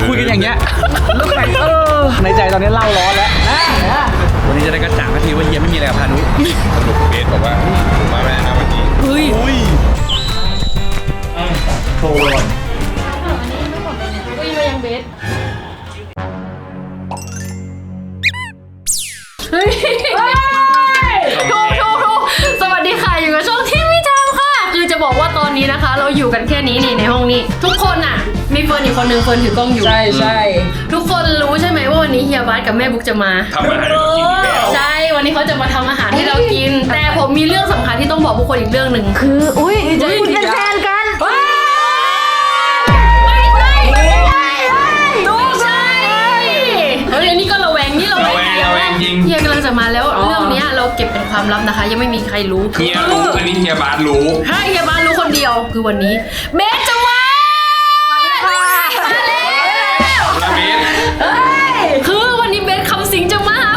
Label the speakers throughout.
Speaker 1: คุยกันอย่างเงี้ยแล้วใครในใจตอนนี้เล่าร้อนแล้ววันนี้จะได้กระจ่างสักทีว่าเฮียไม่มีอะไรกับพานุ
Speaker 2: สรุปเบสบอกว่ามาแม่นะวันนี้
Speaker 1: เฮ้ยโทร
Speaker 3: อุ้ยมายังเบสเฮ้ยถูกสวัสดีค่ะอยู่กับช่องที่ไม่ทำค่ะคือจะบอกว่าตอนนี้นะคะเราอยู่กันแค่นี้นี่ในห้องนี้ทุกคนอ่ะมีเฟิร์นอีกคนนึงเฟิร์นถือกล้องอยู่
Speaker 4: ใช่
Speaker 3: ทุกคนรู้ใช่ไหมว่าวันนี้เฮียบาสกับแม่บุ๊กจะมา
Speaker 2: ทำอาหารกินอีกแล้ว
Speaker 3: ใช่วันนี้เขาจะมาทำอาหารให้เรากินแต่ผมมีเรื่องสำคัญที่ต้องบอกทุกคนอีกเรื่องหนึ่ง
Speaker 4: คือจะคุณเป็นแฟนกัน
Speaker 3: ไม่ใช่เฮ้ยอันนี้ก็ระแวงนี่ระแวง
Speaker 2: จริง
Speaker 3: เฮียกำลังจะมาแล้วเรื่องนี้เราเก็บเป็นความลับนะคะยังไม่มีใครรู้
Speaker 2: เฮียรู้อันนี้เฮียบาสรู้
Speaker 3: ใช่เฮียบาสรู้คนเดียวคือวันนี้เบสจะมาคือวันนี้เบสคำสิงจะมา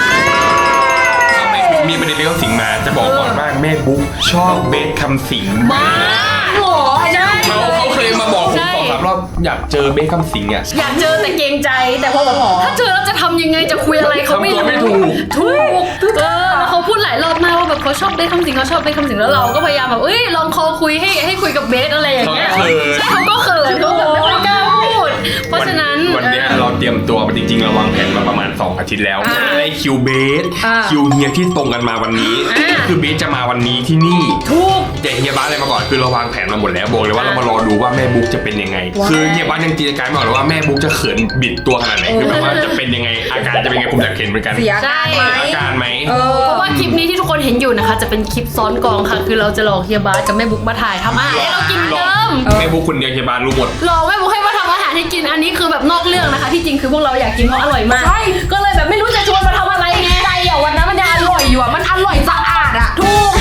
Speaker 2: มีประเด็นเรื่องสิงมาจะบอกก่อนว่าแม่บุ๊กชอบเบสคำสิง
Speaker 3: มากหรอใช่
Speaker 2: เขาเคยมาบอกผม2-3 รอบอยากเจอเบสคำสิงอ่ะ
Speaker 3: อยากเจอแต่เกรงใจแต่พอแบบถ้าเจอแล้วจะทำยังไงจะคุยอะไรเขาไม่ถูกแล้วเขาพูดหลายรอบมากว่าแบบเขาชอบเบสคำสิงเขาชอบเบสคำสิงแล้วเราก็พยายามแบบลองคอคุยให้คุยกับเบสอะไรอย่างเงี้ยใช่เขาก็เขินเขาแบบไม่ค่อยกล้าพูดเพราะฉะนั้น
Speaker 2: วันนี้เราเตรียมตัวจริงๆเราวางแผนมาประมาณ2 อาทิตย์แล้วได้คิวเบสคิวเฮียที่ตรงกันมาวันนี้คือเบสจะมาวันนี้ที่นี่
Speaker 3: ถูก
Speaker 2: แต่เฮียบ้านอะไรมาก่อนคือเราวางแผนมาหมดแล้วบอกเลยว่าเรามารอดูว่าแม่บุ๊กจะเป็นยังไงคือเฮียบ้านยังจินตนาการไม่ออกเลยว่าแม่บุ๊กจะเขินบิดตัวขนาดไหนคือแบบว่าจะเป็นยังไงอาการจะเป็นยังไงผมอยากเห็นเหมือนกัน
Speaker 4: เสีย
Speaker 2: อาการไหม
Speaker 3: เพราะว่าคลิปนี้ที่ทุกคนเห็นอยู่นะคะจะเป็นคลิปซ้อนกองค่ะคือเราจะหลอกเฮียบาสกับแม่บุ๊กมาถ่ายทำอาหารให้เรากินเดิม
Speaker 2: แม่บุ๊กคนเดียวเฮียบ้านรู้หมด
Speaker 3: หลอกแม่บุ๊กให้มาทำอาหารให้กินอันนี้คือแบบนอกเรื่องนะคะที่จริงคือพวกเราอยากกินเพราะอร่อยมากก็เลยแบบไม่รู้จะชวนมาทำอะไรไง
Speaker 4: ใจอ่ะวันนั้นมันจะอร่อยอยู่อ่ะมันอร่อยสะอาดอ่ะ
Speaker 3: ถูก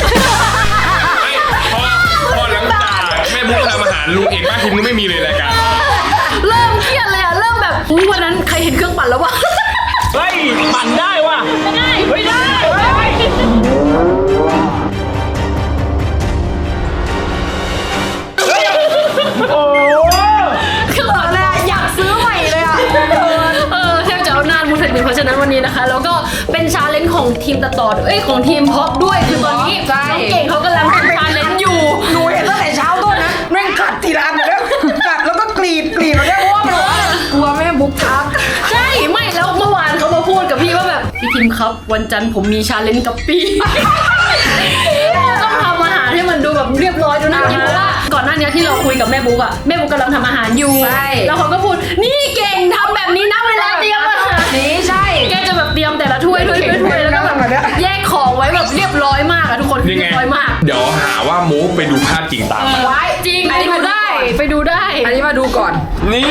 Speaker 2: พอหลังจากแม่บุ๊กทำอาหารลุงเอกป้าทิมก็ไม่มีเลยรายการ
Speaker 3: เริ่มเครียดเลยอ่ะเริ่มแบบวันนั้นใครเห็นเครื่องปั่นแล้ววะ
Speaker 1: เฮ้ยปั่นได้ว่ะ
Speaker 3: ไม่ได้
Speaker 1: โอ้
Speaker 3: คือตอนแรกอยากซื้อใหม่เลยอ่ะแทบจะเอานานมุดถึงเพราะฉะนั้นวันนี้นะคะแล้วก็เป็นชาเลนจ์ของทีมตัดต่อของทีมพ็อปด้วยคือตอนนี้น้องเก่งเขากำลังทำชาเลนจ์อยู่
Speaker 4: หนูเห็นตั้งแต่เช้าต้นนะแม่งกัดทีละอันเลยนะกัดแล้วก็กรีดแล้วได้ว่ามันกลัวแม่บุ๊กทัก
Speaker 3: ใช่ไม่แล้วเมื่อวานเขามาพูดกับพี่ว่าแบบพี่ทีมครับวันจันทร์ผมมีชาเลนจ์กับปีต้องทำอาหารให้มันดูแบบเรียบร้อยดูน่ากินเพราะว่าก่อนหน้านี้ที่เราคุยกับแม่บุ๊กอะแม่บุ๊กกำลังทำอาหารอยู่แล้วเขาก็พูดนี่เก่งทำแบบนี้นะเวลาเตรียมอาหาร
Speaker 4: นี่ใช่
Speaker 3: แกจะแบบเตรียมแต่ละถ้วยแล้วก็แบบแยกของไว้แบบเรียบร้อยมากอะทุกคนเรียบร้อยมาก
Speaker 2: เดี๋ยวหาว่าโม้ไปดูภาพจริงตาม
Speaker 3: ไว้จริงไปดูได้
Speaker 4: อันนี้มาดูก่อน
Speaker 2: นี่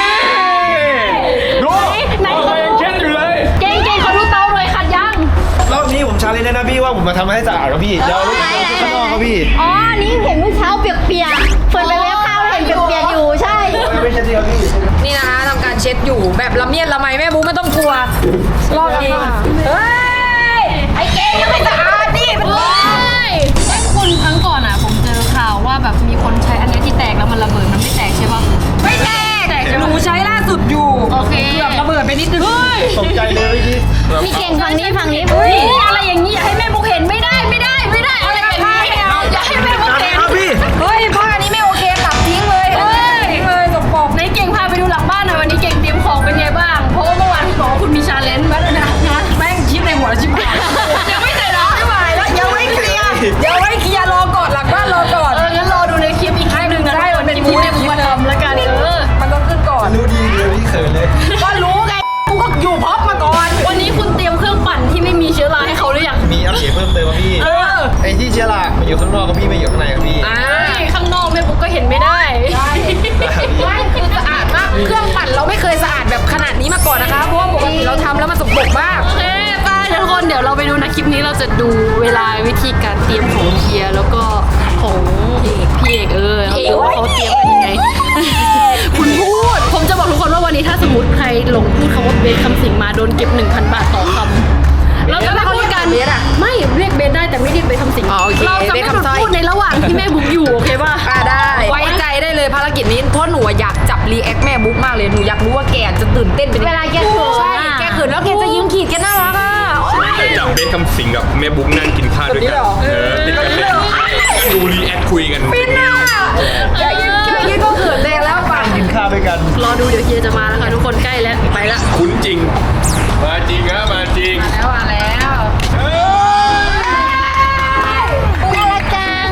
Speaker 1: ดูไหนเช็ดอยู่เลย
Speaker 3: เก่งขอดูเตาหน่อยขัดยัง
Speaker 1: รอบนี้ผมชาเลนจ์นะพี่ว่าผมมาทำให้สะอาดครับพี่เดี๋ยวข้างนอกครับพี่
Speaker 3: อ๋อนี่เห็นเมื่อเช้าเปียกเฟิร์นไปเว็บข้าวเห็นเปียกอยู่ใช่
Speaker 1: ไม่ใช่เดียวพี่
Speaker 4: นี่นะคะทำการเช็ดอยู่แบบละเมียดละไมแม่บุ๊กไม่ต้องกลัวรอบนี้เฮ้ยไอ้เก่งยังไม่สะอาดดิมัน
Speaker 3: คุณครั้งก่อนอ่ะผมเจอข่าวว่าแบบมีคนใช้อันนี้ที่แตกแล้วมันระเบิดมันไม่แตกใช่ป่ะ
Speaker 4: ไม่แตกหนูใช้ล่าสุดอยู่
Speaker 3: โอเค
Speaker 4: เกือบระเบิดไปนิดนึง
Speaker 1: ตกใจเลย
Speaker 3: พี่เก่งฝั่งนี้อะไรอย่างนี้อย่าให้แม่บุ๊กเห็นไม่ได้อะไรอย่างนี้อย่าให้แม่บุ๊กเห็น
Speaker 4: เฮ้ยผ้านี้ไม่โอเคตัดทิ้งเลยสกปรก
Speaker 3: ในเก่งพาไปดูหลังบ้านหน่อยวันนี้เก่งเตรียมของเป็นไงบ้างเพราะว่าเมื่อวานคุณบอกว่าคุณมีชาเลนจ์มาแล้วนะ
Speaker 4: แม่งคิดในหัวชิบหาย
Speaker 3: ยังไม่เสร็จหรอ
Speaker 4: ไม่ไหวแล้วยังไม่เคลียร์รอก่อนหลังบ้านรอก่อน
Speaker 3: งั้นรอดูในคลิปอีกครั้งหนึ่งนะให้มันเป็นคลิปที่มาทำแล้วกัน
Speaker 4: มันต้องขึ้นก่อน
Speaker 1: รู้ดีเลยพี่เขินเลย
Speaker 4: ก็รู้ไงกูก็อยู่พร้อมมาก่อน
Speaker 3: วันนี้คุณเตรียมเครื่องปั่นที่ไม่มีเชื้อราให้เขาหรือยัง
Speaker 1: มีอัปเดตเพิ่มเติมพี่ไอ้ที่เชื้อรามันอยู่ข้างนอกกับพี่ไม่อยู่ข้างในกับพี่
Speaker 3: ข้างนอกแม่บุ๊กก็เห็นไม่ได้
Speaker 4: ไม่คือสะอาดมากเครื่องปั่นเราไม่เคยสะอาดแบบขนาดนี้มาก่อนนะคะเพราะว่าปกติเราทำแล้วมันสกปรกมาก
Speaker 3: โอเคป้าทุกคนเดี๋ยวเราไปดูนะคลิปนี้เราจะดูเวลาวิธีการเตรียมของเฮียแล้วก็ของพี่เอกว่าเขาเตรียมกันยังไงคุณพูดผมจะบอกทุกคนว่าวันนี้ถ้าสมมติใครหลงพูดคำว่าเบสคำสิงมาโดนเก็บ 1,000 บาทต่อคำเราจะไม่พูดกันไม่เรียกเบสได้แต่ไม่เรียกเบสคำสิงเราจะไม่พูดในระหว่างที่แม่บุ๊กอยู่โอเคป่ะ
Speaker 4: ได้ไว้ใจได้เลยเลยภารกิจนี้เพราะหนูอยากจับรีแอคแม่บุ๊กมากเลยหนูอยากรู้ว่าแกจะตื่นเต้นเป็นยังไง
Speaker 3: เวลาแกเขิน
Speaker 4: ใช่แกเขินแล้วแกจะยิ้มขีดแกน่ารักอ่ะ
Speaker 2: จะจับเบสคำสิงกับแม่บุ๊กนั่งกินข้าวด้วยกันติดกันเลยดูรีแอคคุยกัน
Speaker 4: ฟินอ่ะแกยิ้มก็เขินแดงแล้วป่ะ
Speaker 1: กินข้าวด้วยกัน
Speaker 3: รอดูเดี๋ยวเฮียจะมาแล้วค่ะทุกคนใกล้แล้วไปละ
Speaker 2: คุ้นจริงมาจริงครับมาจริง
Speaker 4: แล้วมาแล้ว
Speaker 3: น่ารักจัง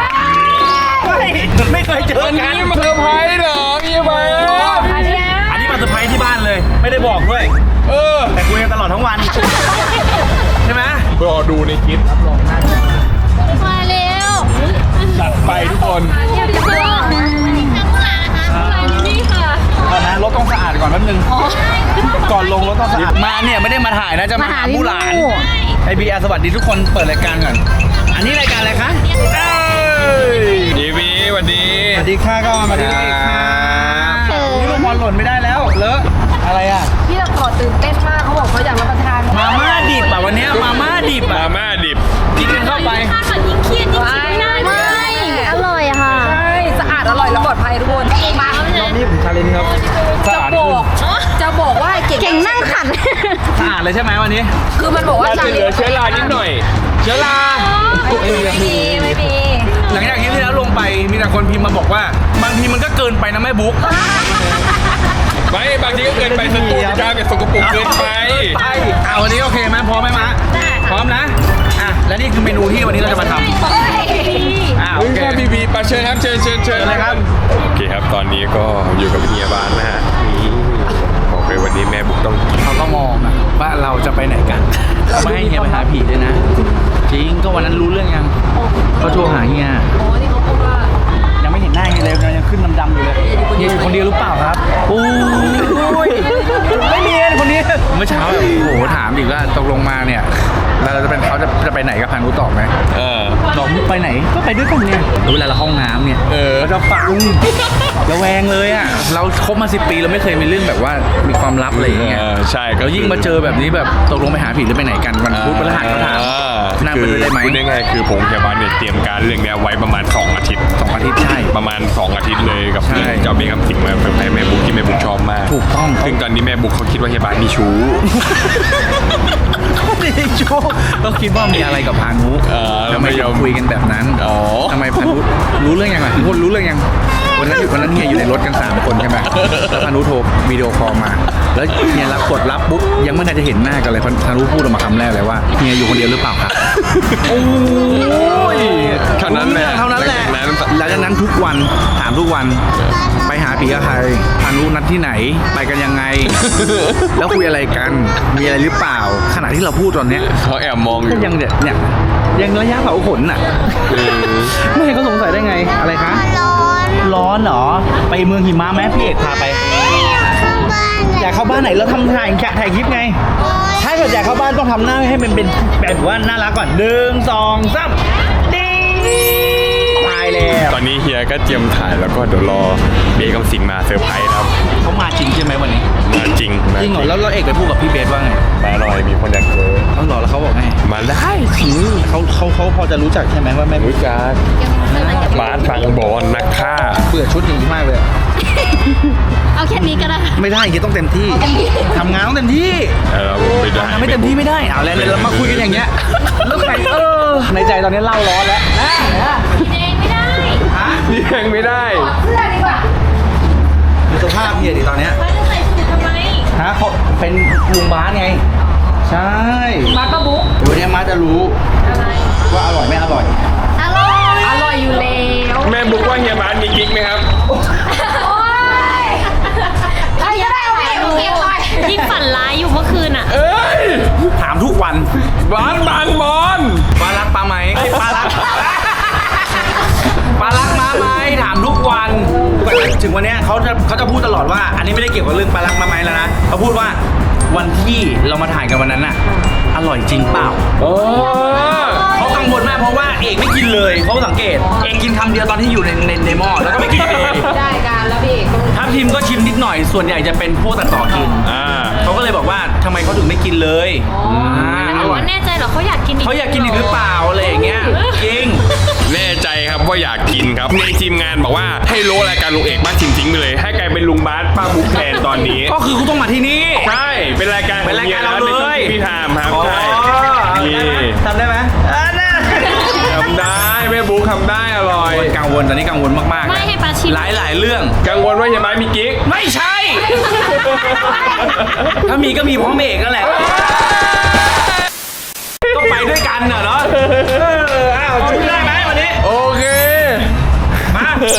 Speaker 1: ไม่เคยเจอ
Speaker 2: วัน
Speaker 1: กัน
Speaker 2: นี้มาเซอร์ไพรส์เหรอพี่เบส
Speaker 1: อันนี้มาเซอร์ไพรส์ที่บ้านเลย ไม่ได้บอกด้วย แต่คุยกันตลอดทั้งวัน ใช่ไหม
Speaker 2: รอดูในคลิป
Speaker 3: มาเร็ว
Speaker 2: จัดไปทุกคน
Speaker 3: เดี๋ยวจะมาข้างหลังนะคะนี่ค่ะ
Speaker 1: ก่อนนะรถต้องสะอาดก่อนแป๊บนึง ก่อนลงรถต้องสะอาด มาเนี่ยไม่ได้มาถ่ายนะจะมาหาผู้หลานไอบีอาร์สวัสดีทุกคนเปิดรายการก่อน อันนี้รายการอะไรคะ
Speaker 2: ดีวีสวัสดี
Speaker 1: สวัสดีค่ะก็มาดีค่ะนี่ลูกบอลหล่นไม่ได้แล้วเลอะอะไรอ่ะ
Speaker 4: พี่ตะกอดตื่นเต้นมากเขาบอกเขาอยากรับประทาน
Speaker 1: มาม่าดิบอ่ะวันเนี้ยมาม่าดิบ
Speaker 2: มา
Speaker 1: อ่ะ
Speaker 2: ม่าดิบ
Speaker 1: กินกันเข้าไป
Speaker 3: ค่ะก่อนยิ่งเครียดยิ่งคิดไม่ได้อร่อยอะค่ะ
Speaker 4: ใช่สะอาดอร่อยและปลอดภัยทุกคนมา
Speaker 1: นี่ผมชาเลนจ์ครับสะอาด
Speaker 4: จะบอกว่าเก่ง
Speaker 3: เก่งนั่งขัน
Speaker 1: สะอาดเลยใช่ไหมวันนี้
Speaker 4: คือมันบอกว่า
Speaker 2: เราจะเหลือเชื้อรานิดหน่อย
Speaker 1: เชื้อรา
Speaker 4: ไม่มี
Speaker 1: หลังจากคลิปที่แล้วลงไปมีแต่คนพิมพ์มาบอกว่า บางทีมันก็เกินไปนะแม่บุ๊ก
Speaker 2: ไม่บางทีก็เกินไปสตูดิโอเป็นสกปรกเกินไป
Speaker 1: ไปเอาวันนี้โอเคไหมพร้อมไหมมะพร้อมนะอ่ะและนี่คือเมนูที่วันนี้เราจะมาทำโอ
Speaker 2: เฮ้ย
Speaker 1: เค
Speaker 2: ค่ะบีบีปาเชิญครับเชิญ
Speaker 1: เลยครับ
Speaker 2: โอเคครับตอนนี้ก็อยู่กับเฮียบ้านนะฮะนี่บอกเลยวันนี้แม่บุ๊กต้องกิน
Speaker 1: เขาก็มองอะว่าเราจะไปไหนกันไม่ให้เฮียไปหาผีด้วยนะ จริงก็วันนั้นรู้เรื่องยังเขาโทรหาเฮีย
Speaker 4: โอ้ที่เขาพูดว่า
Speaker 1: ยังไม่เห็นหน้าเฮียเลยยังขึ้นดำๆอยู่เลยเฮียอยู่คนเดียวหรือเปล่าครับโอ้ยไม่เนียนคนนี้เมื่อเช้าแบบโอ้โหถามอีกว่าตกลงมาเนี่ยแล้วเราจะเป็นเขาจะไปไหนกับพานุตอบไหมบอกไปไหนก็ไปด้วยกันเนี่ยเวลาเราห้องน้ำเนี่ยเราจะฟังระแวงเลยอ่ะเราคบมา10 ปีเราไม่เคยมีเรื่องแบบว่ามีความลับอะไรอย่างเงี้ย
Speaker 2: ใช่
Speaker 1: แล้วยิ่งมาเจอแบบนี้แบบตกลงไปหาผีหรือไปไหนกันวันพุธพฤหัสเขาถามนั่งไปด้วยได้ไหม
Speaker 2: พูดได้ไงคือผมกับบ้านเนี่ยเตรียมการเรื่องเนี้ยไว้ประมาณ2 อาทิตย์
Speaker 1: 2 อาทิตย์ใช่
Speaker 2: ประมาณ2 อาทิตย์เลยกับ
Speaker 1: ใช่
Speaker 2: เรื่องจะเอาเบี้ยคำสิงมาเพิ่มให้แม่บุ๊กที่แม่บุ๊กชอบมาก
Speaker 1: ถูกต้อง
Speaker 2: ซึ่งตอนนี้แม่บุ๊กเขาคิดว่าเฮียบ้านมีชู้
Speaker 1: ไม่ได้โชคก็คิดว่ามีอะไรกับพานุ
Speaker 2: แล้ว
Speaker 1: ทำไม
Speaker 2: ไม่ยอม
Speaker 1: คุยกันแบบนั้น
Speaker 2: อ๋อ
Speaker 1: ทำไมพานุรู้เรื่องยังไงทุกคนรู้เรื่องยังวันนั้นเฮียอยู่ในรถกัน3 คนใช่ไหมแล้วพานุโทรวิดีโอคอลมา แล้วเฮียกดรับปุ๊บยังไม่ทันจะเห็นหน้ากันเลยพานุพูดออกมาคำแรกเลยว่าเฮียอยู่คนเดียวหรือเปล่าครับโอ้ย
Speaker 2: เท่านั้นแหละ
Speaker 1: เท่านั้นแหละ หลังจากนั้นทุกวันถามทุกวันไปหาผีกับใครพานุนัดที่ไหนไปกันยังไง แล้วคุยอะไรกันมีอะไรหรือเปล่าขณะที่เราพูดตอนเนี้ย
Speaker 2: เขาแอบมองอ
Speaker 1: ก็
Speaker 2: ยู่
Speaker 1: ยังเนี่ยยังระยะเผาขนน่ะไม่ให้เขาสงสัยได้ไงอะไรคะร้อนเหรอไปเมืองหิมะไหมพี่เอกพาไปอยากเข้าบ้านไหนเราทำถ่ายคลิปไงถ้าเกิดอยากเข้าบ้านต้องทำหน้าให้มันเป็นแบบว่าน่ารักก่อน1 2 3ดิ้งตายแล้ว
Speaker 2: ตอนนี้เฮียก็เตรียมถ่ายแล้วก็เดี๋ยวรอเบี้ยคำสิงมาเซอร์ไพรส์ครับ
Speaker 1: เขามาจริงใช่ไหมวันนี้
Speaker 2: มาจริง
Speaker 1: จริงเหรอแล้วเอกไปพูดกับพี่เบสว่าไง
Speaker 2: มาหน่อยมีคนอยากเจอ
Speaker 1: เขาหรอแล้วเขาบอกไง
Speaker 2: มาได้
Speaker 1: เขาพอจะรู้จักใช่ไหมว่าแม่
Speaker 2: รู้จักบาสฟังบอลนักฆ่า
Speaker 1: เบื่อชุดอย่างนี้มากเลย
Speaker 3: เอาแค่นี้ก็ได้
Speaker 1: ไม่ได้ยังต้องเต็มที่ทำงานต้องเต็มที่
Speaker 2: ไม่ได้
Speaker 1: ทำไม่เต็มที่ไม่ได้เอาแล้วเรามาคุยกันอย่างเงี้ยแล้วใครในใจตอนนี้เล่าร้อนแล้วนะ
Speaker 3: เองไม่ได้
Speaker 2: นี่ยังไม่ได้
Speaker 4: เสื้อดีกว่า
Speaker 1: ดูสภาพเฮียดิตอนเนี้ย
Speaker 3: ว่าจะใส่สูททำไม
Speaker 1: ฮะเขาเป็นลุงบ้านไงใช่
Speaker 4: มาปะบุ๊ก
Speaker 1: วันนี้มาจะรู้ว่าอร่อยไม่อร่อย
Speaker 3: อร่อย
Speaker 4: อร่อยอยู่แล้ว
Speaker 2: แม่บุ๊กว่าเฮียบาสมีกิ๊กไหมครับ
Speaker 4: โอ้ยไอ้ยังได้เอาไปโอเคไป
Speaker 3: ยิ่งฝันร้ายอยู่เมื่อคืนอ่ะ
Speaker 2: เอ้ย
Speaker 1: ถามทุกวัน
Speaker 2: บาสบางบอล
Speaker 1: ปลารักปลาไหมปลารักปลารักมาไหมถามทุกวันถึงวันเนี้ยเขาจะพูดตลอดว่า อันนี้ไม่ได้เกี่ยวกับเรื่องปลารักมาไหมแล้วนะเขาพูดว่าวันที่เรามาถ่ายกันวันนั้นน่ะอร่อยจริงเปล่า
Speaker 2: โอ้
Speaker 1: เขากังวลมากเพราะว่าเอกไม่กินเลยเขาสังเกตเอกกินคำเดียวตอนที่อยู่ในหม้อแล้วก็ไม่กินเลย
Speaker 4: ได้การแล้วพี่เอก
Speaker 1: ทัพทีมก็ชิมนิดหน่อยส่วนใหญ่จะเป็นพวกตัดต่อกิน
Speaker 2: อ่า
Speaker 1: เขาก็เลยบอกว่าทำไมเขาถึงไม่กินเลยา
Speaker 3: แต่ว่าแน่ใจเหรอเขาอยากกินอีก
Speaker 1: เขาอยากกินอีกหรือเปล่าอะไรอย่างเงี้ยจริง
Speaker 2: แน่ใจครับว่าอยากกินครับในทีมงานบอกว่าให้โลรายการลุงเอกบ้านทิ้งไปเลย ให้กลายเป็นลุงบาสป้าบุ๊กแทนตอนนี้
Speaker 1: ก็คือคุณต้องมาที่นี่
Speaker 2: ใช่เป็นรายการ
Speaker 1: เป็นรายการเราเลย
Speaker 2: ในช่วงที่พี่ทามครับใช่นี่
Speaker 1: ทำได้ไหม
Speaker 2: ทำได้แม่บุ๊กทำได้อร่อย
Speaker 1: กังวลตอนนี้กังวลมากๆ
Speaker 3: ไม่ให้ปลาชิม
Speaker 1: หลายเรื่อง
Speaker 2: กังวลว่าเฮียไม้มีกิ๊ก
Speaker 1: ไม่ใช่ ถ้ามีก็มีพร้อมเอกนั่นแหละก็ไปด้วยกันเนาะอ้าวช่วยได้ไหมวันนี้
Speaker 2: โอเค
Speaker 1: มา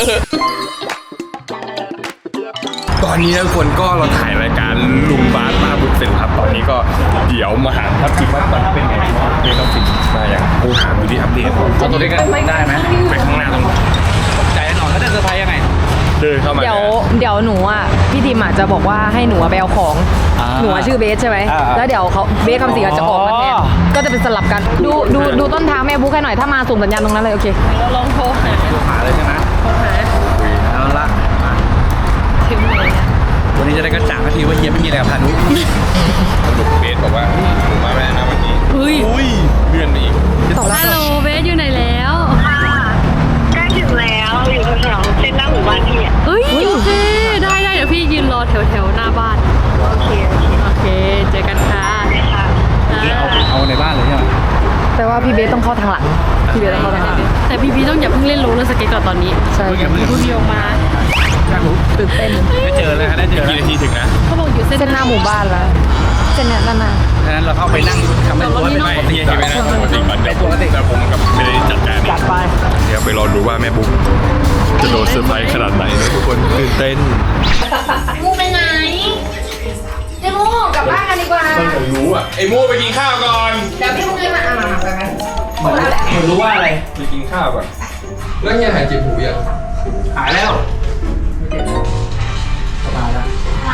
Speaker 2: ตอนนี้ทุกคนก็เราถ่ายรายการลุงบาสป้าบุ๊กเสร็จครับตอนนี้ก็เดี๋ยวมาหาทัพทิมว่าตอนนี้เป็นไงเรียนทัพทิมมาอย่างกูถามดูที่อัปเดต
Speaker 1: เอาตัวนี้กันได้ไหม
Speaker 2: ไปข้างหน้าตรง
Speaker 1: ตกใจแน่นอนเขาจะเซอร์ไพรส์ยังไง
Speaker 2: เดินเข้ามา
Speaker 4: เดี๋ยวหนูอ่ะพี่ทีมอ่ะจะบอกว่าให้หนูไปเอาของ
Speaker 1: อ่า
Speaker 4: หนูอะชื่อเบสใช่ไหม
Speaker 1: อ่า
Speaker 4: แล้วเดี๋ยวเขาเบสคำสิงจะออกมาแทน
Speaker 1: อ๋อ
Speaker 4: ก็จะเป็นสลับกันดูต้นทางแม่บุ๊กให้หน่อยถ้ามาส่งสัญญาณตรงนั้นเลยโอเค
Speaker 3: เราลองโทรหา
Speaker 1: หาเลยใช่ไหม
Speaker 3: โทรหา
Speaker 1: เอาละมา
Speaker 3: ถึงไหนอะ
Speaker 1: วันนี้จะได้กระจ่างทีว่าเฮียไม่มีอะไรกับพานุ
Speaker 2: สรุปเบสบอกว่าหนูมาไม่ได้นะวันนี้
Speaker 3: เฮ้ย
Speaker 2: อุ้ยเลื่อนไปอีก
Speaker 3: ฮัลโหลเบสอยู่ไหนแล้ว
Speaker 5: ใกล้ถึงแล้วอยู่แถวๆเส้นหน้าหมู่บ้านพี่อ่ะ
Speaker 3: เฮ้ยโอเคได้เดี๋ยวพี่ยืนรอแถวหน้าบ้าน
Speaker 5: โอเค
Speaker 3: โอเคเจอกันค่ะ
Speaker 5: ค่ะ
Speaker 1: เอาในบ้านเลยใช่ไหม
Speaker 4: แต่ว่าพี่เบสต้องเข้าทางหลังพี่เบสต้องเข้าทางหลัง
Speaker 3: แต่พี่ต้องอย่าเพิ่งเล่นโรลเลอร์สเก็ตก่อนตอนนี้
Speaker 4: ใช่
Speaker 3: คุณโยมา
Speaker 4: ตื่นเต้น
Speaker 1: ได้เจอแล้วได้เจอ
Speaker 2: กี่นาทีถึงนะ
Speaker 3: เขาบอกอยู่เส้น
Speaker 4: เส้นหน้าหมู่บ้านแล้วเส้นเนี้ยนั่นน่ะ
Speaker 1: ดังนั้นเราเข้าไปนั่งทำเป็นตัวเป็นปกติ
Speaker 2: เฮียเห็นไหมนะปกติก่อนเดี๋ยวผมกับเบสจัดการ
Speaker 1: จัดไป
Speaker 2: เดี๋ยวไปรอดูว่าแม่บุ๊กจะโดนเซอร์ไพรส์ขนาดไหนนะทุกคนตื่นเต้น
Speaker 3: มูไปไหน
Speaker 4: เจ้ามูกลับบ้านกันดีกว่า
Speaker 2: ต้องรู้อ่ะไอ้มูไปกินข้าวก่อน
Speaker 4: เดี๋ยวพี่มุกจะมาไปไหม
Speaker 1: เหมือนรู้ว่าอะไร
Speaker 2: ไปกินข้าวก่อนแล้วเฮียหายเจ็บหูยัง
Speaker 1: หายแล้วสบายแล้ว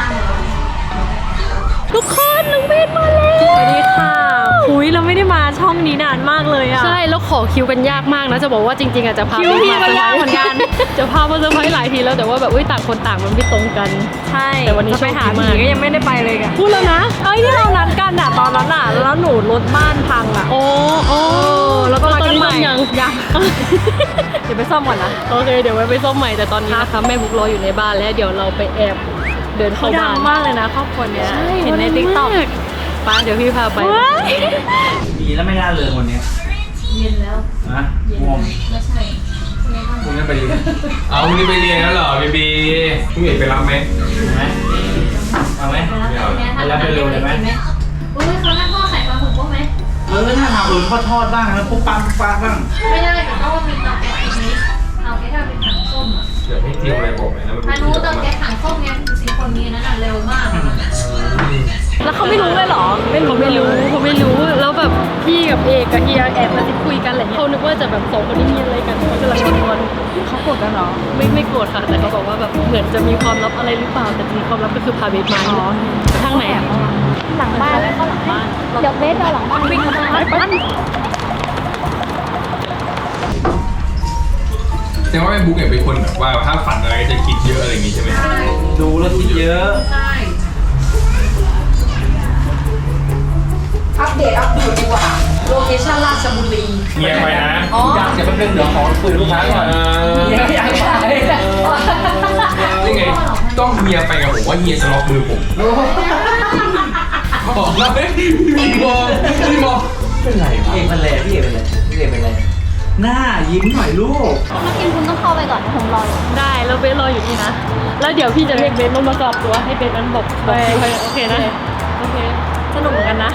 Speaker 6: ทุกคนน้องเบสมาแล้วสวัสดีค่ะหุยเราไม่ได้มาช่องนี้นานมากเลยอะ
Speaker 3: ใช่แล้วขอคิวกันยากมากนะจะบอกว่าจริงๆอาจจะพา
Speaker 6: คิวพี่มันยากเหมือนกัน
Speaker 3: จะพามาเซอร์ไพรส์หลายทีแล้วแต่ว่าแบบต่างคนต่างมันไม่ตรงกัน
Speaker 6: ใช่
Speaker 3: แต่วันนี้
Speaker 6: จะไปหา
Speaker 3: โชคดี
Speaker 6: ผี
Speaker 3: มาก
Speaker 6: ก็ยังไม่ได้ไปเลยกันพูดแล้วนะเอ้ยที่เรานัดกันอะตอนนั้นอะแล้วหนูรถบ้านพังอะ
Speaker 3: โอ้โอ้
Speaker 6: แล้วก็นัดกันใหม่
Speaker 3: ยัง
Speaker 6: เดี๋ยวไปซ่อมก่อนนะ
Speaker 3: โอเคเดี๋ยวไว้ไปซ่อมใหม่แต่ตอนนี้นะคะแม่บุ๊กรออยู่ในบ้านแล้วเดี๋ยวเราไปแอบเดิน
Speaker 6: เขา
Speaker 3: เข้า
Speaker 6: ดั
Speaker 3: บ้างน
Speaker 6: มากเลยนะครอบครัวเนี้ย
Speaker 3: ใช่
Speaker 6: เห็นในติ๊กต็อก
Speaker 3: ป้าเดี๋ยวพี่พาไป
Speaker 1: ดีแล้วไม่น่าเลยวันนี้เย็นแล้วนะง่วงไม่ใช่คุณจะไปเรียน
Speaker 2: เอาวันนี้ไปเรียนแล้วเหรอบีบีพี่เอกไปรับไหม
Speaker 1: ไหมเอาไหม
Speaker 2: ไม่เอา
Speaker 1: ไปรับไปเร็วเลยไหม
Speaker 7: อุ้ยเขาหน้าทอดไข่ปลาหมึกบ้างไหม
Speaker 1: ถ้าทำอื่นก็ทอดบ้างนะปุ๊บปั๊บปุ๊บปั๊บบ้าง
Speaker 7: ไม่ได้แต่ก็ว่ามีเตาแก๊สอีกนิดเอาแค่ทำเป็นถังส้มอ่ะ
Speaker 2: เดี๋ยวให้เตรียมอะไรบอกไหมนะมัน
Speaker 7: พานุเตาแก๊สถังส้มเนี่ยสิคนนี้นั่นน่ะเร็วมากอะ
Speaker 6: แล้วเขาไม่รู้เลยเหรอ
Speaker 3: เขาไม่รู้แล้วแบบพี่กับเอกกับเฮียแอบมาติดคุยกันอะไรเงี้ยเขานึกว่าจะแบบสองคนนี้มีอะไรกันเขากำลังกินงอน
Speaker 4: เขาโกรธกันเหรอ
Speaker 3: ไม่โกรธค่ะแต่เขาบอกว่าแบบเหมือนจะมีความลับอะไรหรือเปล่าแต่จริงๆความลับก็คือพาเบสมาทางไหนอ่ะ
Speaker 6: หลังบ้านแล้วก็หลังบ้านเดี๋ยวเบสเอาหลังบ้านวิ่งมาบ้าน
Speaker 2: แต่ว่าแม่บุ๊กเนี่ยเป็นคนแบบว่าถ้าฝันอะไรก็จะคิดเยอะอะไรอย่างงี้ใช่ไหม
Speaker 1: ดูแล้วคิดเยอะ
Speaker 4: อัปเดตดีกว่าโลเคชั่นราชบุรี
Speaker 2: เงียบไปนะ
Speaker 1: อยากจะเป็นเดี๋ยวขอคุยลูกค้าก่อน
Speaker 4: อยากขาย
Speaker 2: นี่ไงต้องเฮียไปกับผมว่าเฮียจะล็อกมือผมบอกแล้วพี่มองเป็นไรวะ
Speaker 1: เอกเป็นไรพี่เอกเป็นไรพี่เอกเป็นไรหน้ายิ้มหน่อยลูก
Speaker 7: ถ้ากินคุณต้องเข้าไปก่อนนะผมรออยู่
Speaker 3: ได้แล้วเบสรออยู่นี่นะแล้วเดี๋ยวพี่จะเรียกเบสลงมากรอบตัวให้เบสนั้นบอกโอเคนะโอเค
Speaker 6: สนุกเหมือนกันนะ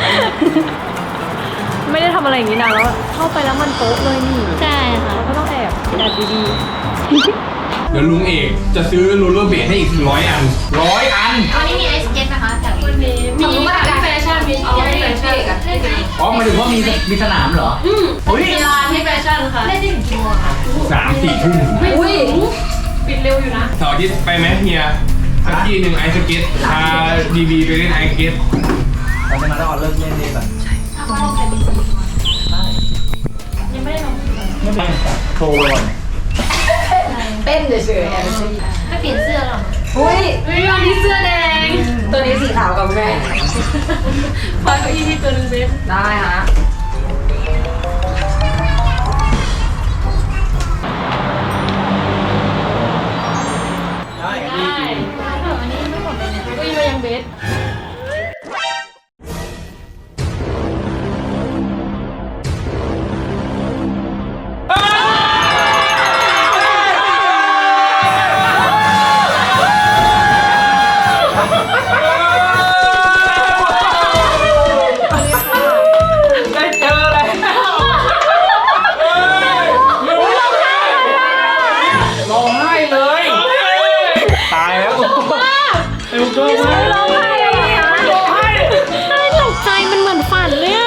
Speaker 6: ไม่ได้ทำอะไรอย่างนี้นานแล้วอะเข้าไปแล้วมันโป๊ะเลยนี่
Speaker 3: ใช่ค่ะ
Speaker 6: เราก็ต้องแอบดี
Speaker 2: เดี๋ยวลุงเอกจะซื้อโรลเลอร์เบลดให้อีก100 อัน
Speaker 1: 100 อัน
Speaker 7: วันนี้มีไอซ์สเก็ตนะคะจากวันนี้มีแฟชั่นมีที่แฟชั่นเล่น
Speaker 1: อ๋อหมายถึงว่ามีสนามเหรอเฮ้ย
Speaker 3: มีร้านที่แฟชั่นค่ะ
Speaker 7: ได้ถึงกี่โมงคะ
Speaker 2: 3-4 ทุ่ม
Speaker 3: อุ้ยปิดเร็วอยู่นะ
Speaker 2: เสาร์อาทิตย์ไปไหมเฮียสักทีหนึ่งไอซ์สเก็ตพาดีบีไปเล่นไอซ์สเก็ต
Speaker 1: เราจะมาได้ออนเลิกเล่นดีก่อน
Speaker 7: ถ้าว่าเราเป็นสมุดยังไม่ได้ลง
Speaker 1: ไม่เป็นโชว์ก่อน
Speaker 4: เต้นเฉยๆแอบ
Speaker 7: ไม่เปลี่ยนเสื้อหรอ
Speaker 4: อุ้ย
Speaker 3: วันนี้เสื้อแดง
Speaker 4: ตัวนี้สีขาวกับคุณแม่
Speaker 3: พาเก้าอี้ที่ตัวนึงเบส
Speaker 4: ได้ฮะ
Speaker 3: ได้เก้าอี้มายังเบส
Speaker 1: ได้เจอเลยร้องไห้เลยตายแล้วไอ้บุกโจ้มาก
Speaker 6: ร้องไห้เลยอะร้องไห้ได้ตกใจมันเหมือนฝันเลยอะ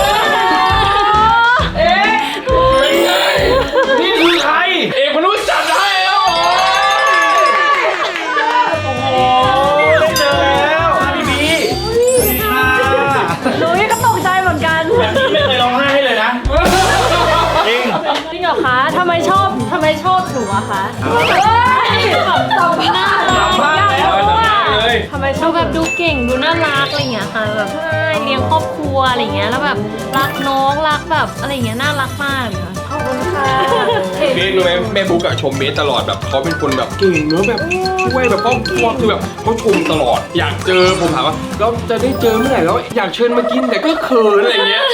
Speaker 1: นี่คือใครเอกมนุษย์จัดให้แล้วโอ้โหได้เจอแล้วพี่บีค่ะ
Speaker 6: หนูก็ตกใจเหมือนกัน
Speaker 1: แบบนี้ไม่เคยร้องไห้ให้เลยนะจริง
Speaker 6: จริงเหรอคะทำไมชอบหนูอะคะแบบตบหน้าเลย
Speaker 1: สัมภาษณ์แล้วสัมภาษณ์เลย
Speaker 6: ทำไมชอบแบบดูเก่งดูน่ารักอะไรอย่างเงี้ยค่ะแบบใช่เลี้ยงครอบครัวอะไรอย่างเงี้ยแล้วแบบรักน้องรักแบบอะไรอย่างเงี้ยน่ารักมากเลยค่ะขอบคุณค่ะ
Speaker 2: เบสรู้ไหมแม่บุ๊กอะชมเบสตลอดแบบเขาเป็นคนแบบเก่งเนอะแบบช่วยแบบครอบครัวคือแบบเขาชมตลอด อยากเจอผมถามว่าเราจะได้เจอเมื่อไหร่แล้วอยากเชิญมากินแต่ก็เขินอะไรเงี้ย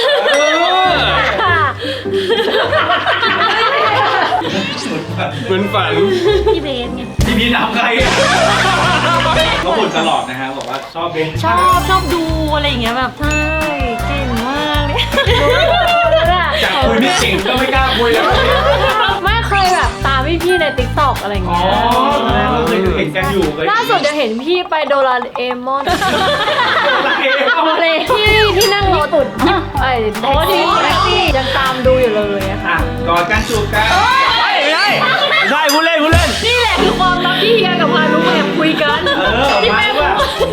Speaker 2: เหมือนฝัน
Speaker 6: พี่เบสไง
Speaker 1: พี่บีถามใครเขาบ่นตลอดนะฮะบอกว่าชอบเบน
Speaker 6: ชอบดูอะไรอย่างเงี้ยแบบใช่เก่งมากเลย
Speaker 1: จากคุยไม่เก่งก็ไม่กล้าคุยแล้ว
Speaker 6: ไม่เคยแบบตามพี่ๆในติ๊กต็อกอะไรอย่าง
Speaker 1: อ๋อ
Speaker 6: เงี้ย
Speaker 1: เคยเห็นกันอยู่เคย
Speaker 6: ล่าสุดจะเห็นพี่ไปโดราเอมอนอะไรที่นั่งรถตุ่นไอ้โอ้ที่แท็กซี่ยังตามดูอยู่เลยอะค่ะ
Speaker 1: อ่ะกอดกันจูบกันไม่ใช่พูดเล่น
Speaker 6: นี่แหละคือความลับที่เฮียกับพานุแอบคุยกันที่แม่บอก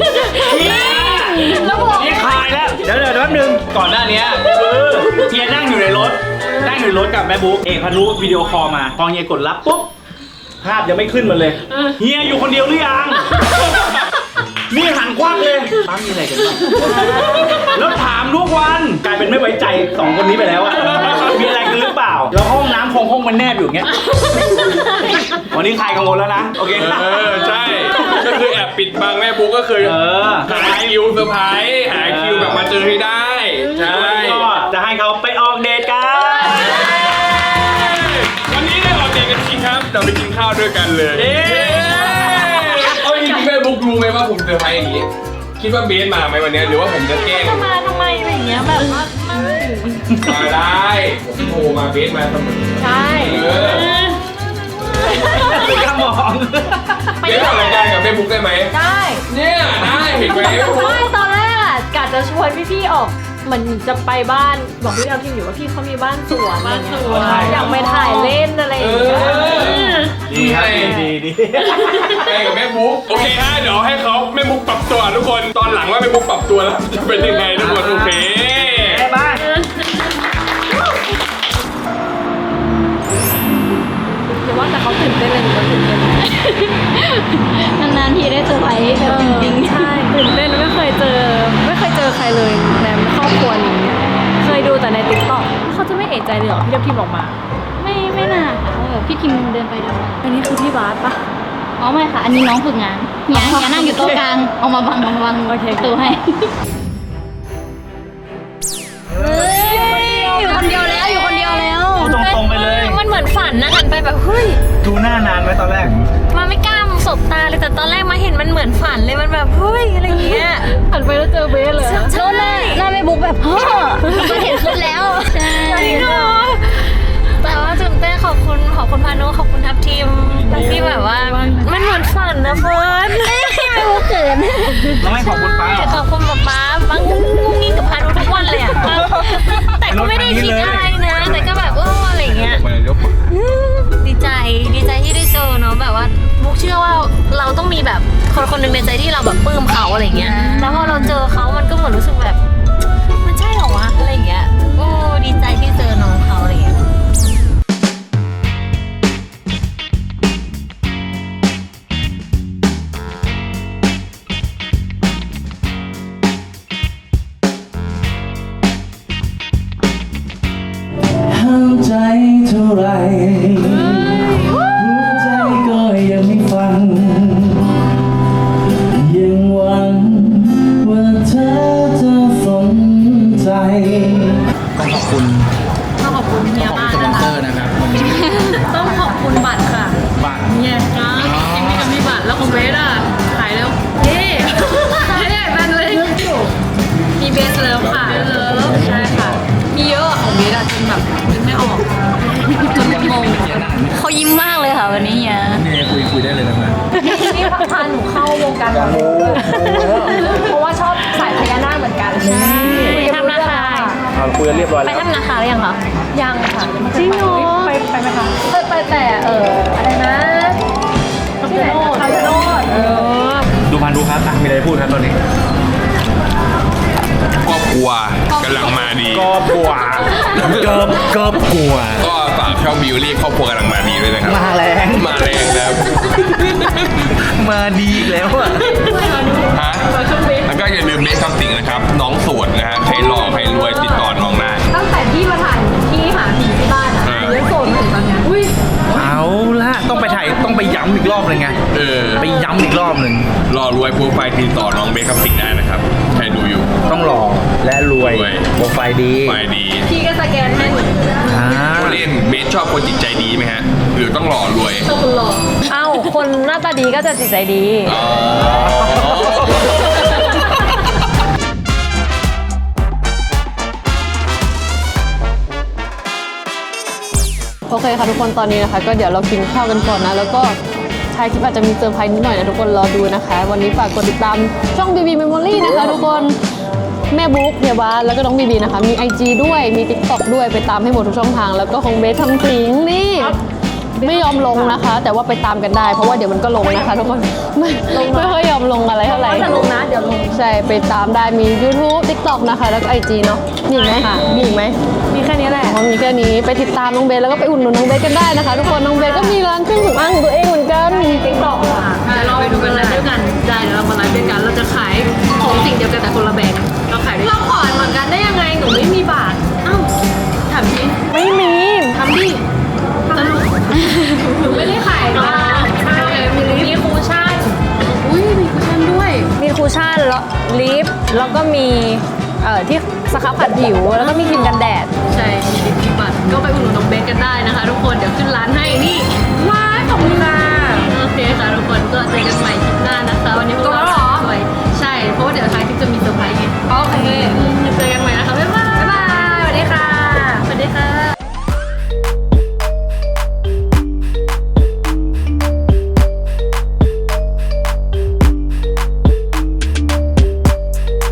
Speaker 6: แล้วบอก
Speaker 1: นี่คลายแล้วเดี๋ยวแป๊บนึงก่อนหน้านี้คือเฮียนั่งอยู่ในรถกับแม่บุ๊กเอกพานุวิดีโอคอลมาพอเฮียกดรับปุ๊บภาพยังไม่ขึ้นมาเลยเฮียอยู่คนเดียวหรือยังนี่หันควักเลยป้ามีอะไรกันบ้างแล้วถามทุกวันกลายเป็นไม่ไว้ใจสองคนนี้ไปแล้วอะมีอะไรกันหรือเปล่าแล้วห้องน้ำคงมันแนบอยู่อย่างเงี้ยวันนี้ใครกังวลแล้วนะโอเค
Speaker 2: ใช่ก็คือแอบปิดบังแม่บุ๊กก็คือ หาคิวเซอร์ไพรส์หาคิวแบบมาเจอให้ได้ใช่
Speaker 1: ก็จะให้เขาไปออกเดทกัน
Speaker 2: วันนี้ได้ออกเดทกันจริงครับเราไปกินข้าวด้วยกันเลย
Speaker 1: เย้
Speaker 2: เอาจริงๆแม่บุ๊กรู้ไหมว่าผมเซอร์ไพรส์อย่างนี้คิดว่าเบสมาไหมวันนี้หรือว่าผมจะแกล้ง
Speaker 6: จะมาทำไมอะไรอย่างเงี้ยแบบว่าไม่
Speaker 2: มาได้ผมโทรมาเบสมาเสมอ
Speaker 6: ใช่
Speaker 1: กระหม่อม
Speaker 2: เบสทำรายการกับแม่บุ๊กได้ไหม
Speaker 6: ได้
Speaker 2: เนี่ยได้เห็นไหม
Speaker 6: ไม่ตอนแรกอะกะจะชวนพี่ๆออกเหมือนจะไปบ้านบอกพี่ดาวพิมอยู่ว่าพี่เขามีบ้านสวนบ้านสวนอยากไปถ่ายเล่นอะไรอย่างเงี้ย
Speaker 1: ดีครับดี
Speaker 2: ไปกับแม่บุ๊กโอเคฮะเดี๋ยวให้เขาแม่บุ๊กปรับตัวทุกคนตอนหลังว่าแม่บุ๊กปรับตัวแล้วจะเป็นยังไงทุกคนโอเค
Speaker 1: บ้าน
Speaker 6: เดี๋ยวว่าแต่เขาตื่นเต้นเลยหนูก็ตื่นเต้น
Speaker 7: นานๆทีได้เซอร์ไพรส์แบบจริง
Speaker 6: ใช่ตื่นเต้นไม่เคยเจอใครเลยในครอบครัวนี้เคยดูแต่ในติ๊กต็อกเขาจะไม่เอะใจเลยเหรอพี่ดาวพิมออกมา
Speaker 7: ๆไม่น่าค่ะแบบพี่ทิมเดินไปเดินมา
Speaker 6: อันนี้คือพี่บาสปะ
Speaker 7: อ๋อไม่ค่ะ อันนี้น้องฝึกงานอย่านั่งอยู่โต๊ะกลางเอามาบังประตูให้อยู่คนเดียวแล้ว
Speaker 1: พูดตรงๆไปเลย
Speaker 6: มันเหมือนฝันนะหันไปแบบเฮ้ย
Speaker 1: ดูหน้านานไหมตอนแรก
Speaker 6: มาไม่กล้าสบตาเลยแต่ตอนแรกมาเห็นมันเหมือนฝันเลยมันแบบเฮ้ยอะไรเงี้ยหันไปแล้วเจอเบสเลย
Speaker 7: โน้นหน้าแม่บุ๊กแบบเฮ้อมันเห็นขึ้นแล้วใช่
Speaker 6: แต่ว่าตื่นเต้นขอบคุณพานุขอบคุณทัพทีมที่แบบว่ามันเหมือนฝันนะเฟิร์น
Speaker 7: แม่บุ๊กเขิน
Speaker 1: แล้วไม่ขอบคุณป้า
Speaker 6: ขอบคุณป๊าบางงุ้งงิ้งกับพานุทุกวันเลยอะแต่ก็ไม่ได้คิดอะไรนะแต่ก็แบบอะไรเงี้ยดีใจที่ได้เจอเนาะแบบว่าบุ๊กเชื่อว่าเราต้องมีแบบคนหนึ่งในใจที่เราแบบปลื้มเขาอะไรเงี้ยแล้วพอเราเจอเขามันก็เหมือนรู้สึกแบบมันใช่เหรอวะอะไรเงี้ยดีใจที่เจอน้องเขาอะไรเงี้ย
Speaker 3: ขอบคุณบัตรค่ะ
Speaker 1: บัตร
Speaker 3: เนี่ยครับคลิปนี้ก็มีบัตรแล้วคุณเบสอ่ะขายแล้วเย้ไม่ได้แบนเลยมีเบสแล้วค่ะใช่ค่ะมีเยอะของเบสอะจนแบบนึกไม่ออกจนงง
Speaker 6: เขายิ้มมากเลยค่ะวันนี้เฮีย
Speaker 1: นี่คุยได้เลยนะ
Speaker 4: นี่พาหนูเข้าวงการหมอดูเพราะว่าชอบสายพญานาคเหมือนกันใช่
Speaker 6: ไปทำนาคา
Speaker 1: คุยกันเรียบร้อย
Speaker 6: ไป
Speaker 1: แล้ว
Speaker 6: ทำนาคาหรือยังคะ
Speaker 4: ยังค่ะ
Speaker 6: จริงเหรอ
Speaker 4: ไปไหมคะไปแต่อะไรนะที่ไหนนะคำชะโนด
Speaker 1: ดูพันดูครับมีอะไรพูดครับตอนนี้
Speaker 2: ครอบครัวกำลังมาดี
Speaker 1: ก็กลัวเกิบกลัว
Speaker 2: ก็ฝากช่องบิวลี่ครอบครัวกำลังมาดีด้วยนะครับ
Speaker 1: มาแรง
Speaker 2: มาแรงนะครับ
Speaker 1: มาดีอีกแล้วอะ
Speaker 2: ฮะแล้วก็อย่าลืมเบสซัมติงนะครับ น้องโสดนะฮะใครหล่อใครรวยติดต่อน้องได้
Speaker 4: ตั้งแต่ที่มาถ่ายที่หาผีที่บ้านอ่ะยังโสดมาถึงตอนเนี้ยอุ้ย
Speaker 1: เอาละต้องไปถ่ายต้องไปย้ำอีกรอบเลยไง ไปย้ำอีกรอบหนึ่ง
Speaker 2: หล่อรวยโปรไฟล์ติดต่อน้องเบสซัมติงได้นะครับใครดูอยู่
Speaker 1: ต้องหล่อและรวย
Speaker 2: รวย
Speaker 1: โปรไฟล์ดี
Speaker 2: ไฟล์ดี
Speaker 4: พี่ก็สแกนให้หนู
Speaker 1: อ่า
Speaker 2: เล่นเบสชอบคนจิตใจดีไหมฮะหรือต้องหล่อรวย
Speaker 4: เอ้าคนหน้าตาดีก็จะจิตใจดี
Speaker 2: อ๋อ
Speaker 3: โอเคค่ะทุกคนตอนนี้นะคะ ก็เดี๋ยวเรากินข้าวกันก่อนนะแล้วก็ท้ายคลิปอาจจะมีเซอร์ไพรส์นิดหน่อยนะทุกคนรอดูนะคะ วันนี้ฝากกดติดตามช่อง BB Memory นะคะทุกคนแม่บุ๊กเฮียบาสแล้วก็น้องบีบีนะคะมี IG ด้วยมี TikTok ด้วยไปตามให้หมดทุกช่องทาง แล้วก็ของเบสทำสิงนี่ไม่ยอมลงนะคะ แต่ว่าไปตามกันได้เพราะว่าเดี๋ยวมันก็ลงนะคะทุกคนไม่ค่อยยอมลงอะไรเท่าไหร่
Speaker 4: จะลงนะเดี๋ยวลง
Speaker 3: ใช่ไปตามได้มี YouTube TikTok นะคะแล้วก็ IG เนาะมีอีกไหมมีอีกไหม
Speaker 4: มีแค่นี้แหละ
Speaker 3: อ๋อมีแค่นี้ไปติดตามน้องเบสแล้วก็ไปอุดหนุนน้องเบสกันได้นะคะ ทุกคนน้องเบสก็มีร้านเครื่องสำอางของตัวเองเหมือนกัน
Speaker 4: ติ๊กต็อกค่ะ
Speaker 3: เดี๋ยวเราไปดูกันไลฟ์ด้วยกันได้เดี๋ยวเรามาไลฟ์ด้วยกันเราจะขายของสิ่งเดียวกันแต่คนละแบรนด์เราขายด้วยเราขอเหมือนกันได้ยังไงหนูไม่มีบาทอ้าวถามจริง
Speaker 4: ไม่มี
Speaker 3: ทำดิสนุกหนูไม่ได้ขายมาใช่มีคูชั่นอุ้ยมีคูชั่นด้วย
Speaker 4: มีคูชั่นแล้วลิปแล้วก็มีที่สครับผัดผิวแล้วก็มีครีมกันแดด
Speaker 3: ใช่มีลิปมีบัตรก็ไปอุดหนุนน้องเบสกันได้นะคะ ทุกคนเดี๋ยวขึ้นร้านให้นี่ว้า